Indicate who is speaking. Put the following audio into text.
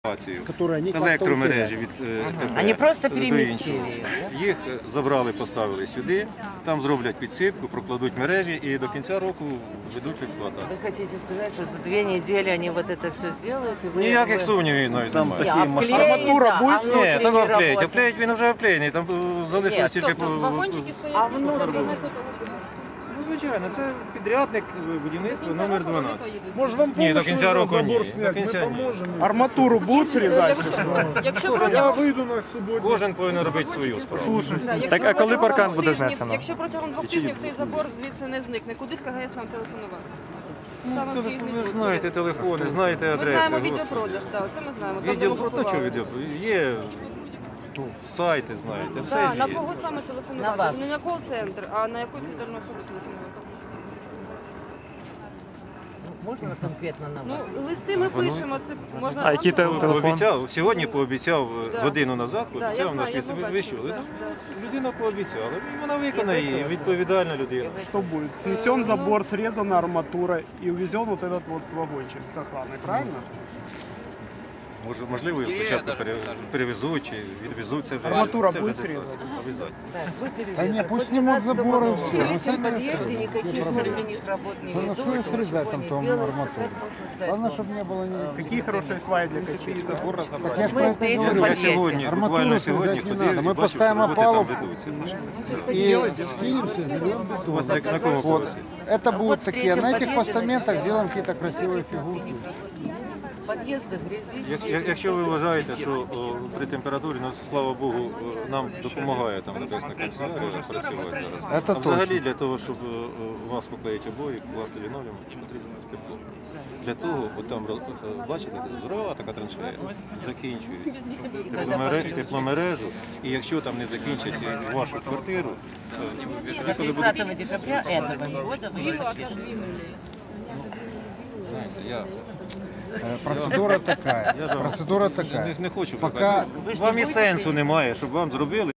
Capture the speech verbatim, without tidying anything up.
Speaker 1: Електромережі від
Speaker 2: Вони просто
Speaker 1: КП до іншого.
Speaker 2: перемістили.
Speaker 1: Їх забрали, поставили сюди, там зроблять підсипку, прокладуть мережі і до кінця року ведуть в експлуатацію.
Speaker 2: Ви хочете сказати, що за дві неділі вони вот это все зроблять? І ви...
Speaker 1: Ніяких сумнівів навіть немає.
Speaker 2: Арматура буде?
Speaker 1: Ні, там оплеють, оплеють він вже оплеєний, там залишилось тільки...
Speaker 3: Вагончики стоять.
Speaker 2: А внутрі?
Speaker 1: Ну, звичайно, це підрядник будівництва номер дванадцять.
Speaker 4: Може вам
Speaker 1: Ні, до
Speaker 4: помочь
Speaker 1: кінця року ні.
Speaker 4: забор
Speaker 1: До
Speaker 4: снять? Ми
Speaker 1: кінця ні.
Speaker 4: поможемо. Арматуру будуть срізати?
Speaker 3: Якщо
Speaker 4: Я
Speaker 3: протягом
Speaker 4: вийду на суботню.
Speaker 1: Кожен повинен робити свою справу.
Speaker 3: Да, якщо
Speaker 5: Так, а коли
Speaker 3: протягом
Speaker 5: паркан
Speaker 3: двох
Speaker 5: буде
Speaker 3: тижнів-
Speaker 5: знесено?
Speaker 3: Якщо протягом двох тижнів цей забор звідси не зникне, куди з КГС нам телефонувати? Саме в Київ
Speaker 1: Телефон,
Speaker 3: не
Speaker 1: ви ж
Speaker 3: зникне.
Speaker 1: знаєте телефони, знаєте
Speaker 3: Ми
Speaker 1: адреси.
Speaker 3: знаємо
Speaker 1: Господи.
Speaker 3: відеопродаж, так, це ми знаємо. Там, де
Speaker 1: Відділ
Speaker 3: ми
Speaker 1: про то, що
Speaker 3: купували.
Speaker 1: відео? Є ну, сайти, знаєте, все
Speaker 3: Так,
Speaker 1: ж
Speaker 3: на
Speaker 1: є.
Speaker 3: кого саме
Speaker 2: На
Speaker 3: телефонувати?
Speaker 2: вас.
Speaker 3: Не на кол-центр, а на яку відповідальну особу телефонувати?
Speaker 2: Можна конкретно на
Speaker 3: Ну,
Speaker 2: вас?
Speaker 3: листи ми пишемо, це можна...
Speaker 5: А який
Speaker 3: вам
Speaker 5: телефон?
Speaker 1: Пообіцяв, сьогодні пообіцяв
Speaker 3: Да.
Speaker 1: годину назад,
Speaker 3: Да, я
Speaker 1: пообіцяв наш
Speaker 3: знаю, я
Speaker 1: віце. Ви
Speaker 3: побачила,
Speaker 1: що?
Speaker 3: да, да.
Speaker 1: Людина пообіцяла, і вона виконає, і відповідальна людина.
Speaker 4: Что будет? Снесен забор, срезана арматура и увезен вот этот вот вагончик с охраной, правильно?
Speaker 1: Може, можливо, його спочатку пере- перевезуть чи відвезуть. Це вже,
Speaker 4: Арматура
Speaker 1: це вже
Speaker 4: буде
Speaker 1: деталі.
Speaker 4: зрізана?
Speaker 1: Обов'язково.
Speaker 2: Да
Speaker 6: не, пусть снимут заборы и все.
Speaker 2: Если в подъезде никаких внутренних работ не
Speaker 6: Ну,
Speaker 2: ведут,
Speaker 6: что ее срезать
Speaker 2: ничего
Speaker 6: там,
Speaker 2: не
Speaker 6: там
Speaker 2: делается,
Speaker 6: арматуру?
Speaker 2: как можно ждать
Speaker 6: Главное,
Speaker 2: нового?
Speaker 6: чтобы не было ни...
Speaker 4: Какие хорошие сваи для качей?
Speaker 6: Так я ж
Speaker 2: Мы
Speaker 6: про
Speaker 2: в
Speaker 6: это
Speaker 2: третьем
Speaker 6: говорю.
Speaker 1: Я
Speaker 2: подъезде.
Speaker 1: сьогодні,
Speaker 6: Арматуру
Speaker 1: буквально
Speaker 6: срізати
Speaker 1: сьогодні
Speaker 6: не
Speaker 1: ходив
Speaker 6: надо.
Speaker 1: і
Speaker 6: Ми
Speaker 1: бачив, що
Speaker 6: поставимо
Speaker 1: роботи там
Speaker 6: палубу.
Speaker 1: ведуться.
Speaker 6: И скинемся, зальем
Speaker 1: У вас
Speaker 6: бетон.
Speaker 1: на, на кому
Speaker 6: Вот.
Speaker 1: поверсі?
Speaker 6: Это будут
Speaker 2: в
Speaker 6: такие,
Speaker 2: третьем
Speaker 6: на этих
Speaker 2: подъезде
Speaker 6: постаментах
Speaker 2: написано.
Speaker 6: сделаем какие-то красивые фигурки.
Speaker 2: Подъезды, грязище.
Speaker 1: Як- як- Якщо ви вважаєте, що о, при температурі, ну слава Богу, о, нам допомагає там небесна канцелярія працювати зараз.
Speaker 6: Це
Speaker 1: а взагалі
Speaker 6: точно.
Speaker 1: для того, щоб о, о, вас поклеїти обої, класти лінолеум, потрібно спирток. Для того, от там роз- бачите, здорова така траншея, закінчують тепломере- тепломережу, і якщо там не закінчать вашу квартиру, то
Speaker 2: До тридцатого декабря этого года вы ее пишете.
Speaker 1: знаєте, я
Speaker 6: Э, Процедура такая.
Speaker 1: Я ж вам
Speaker 6: Процедура такая.
Speaker 1: не, не хочу
Speaker 6: Пока-
Speaker 1: сказати.
Speaker 2: Ви ж не
Speaker 1: Вам і
Speaker 2: будете
Speaker 1: сенсу немає, щоб вам зробили.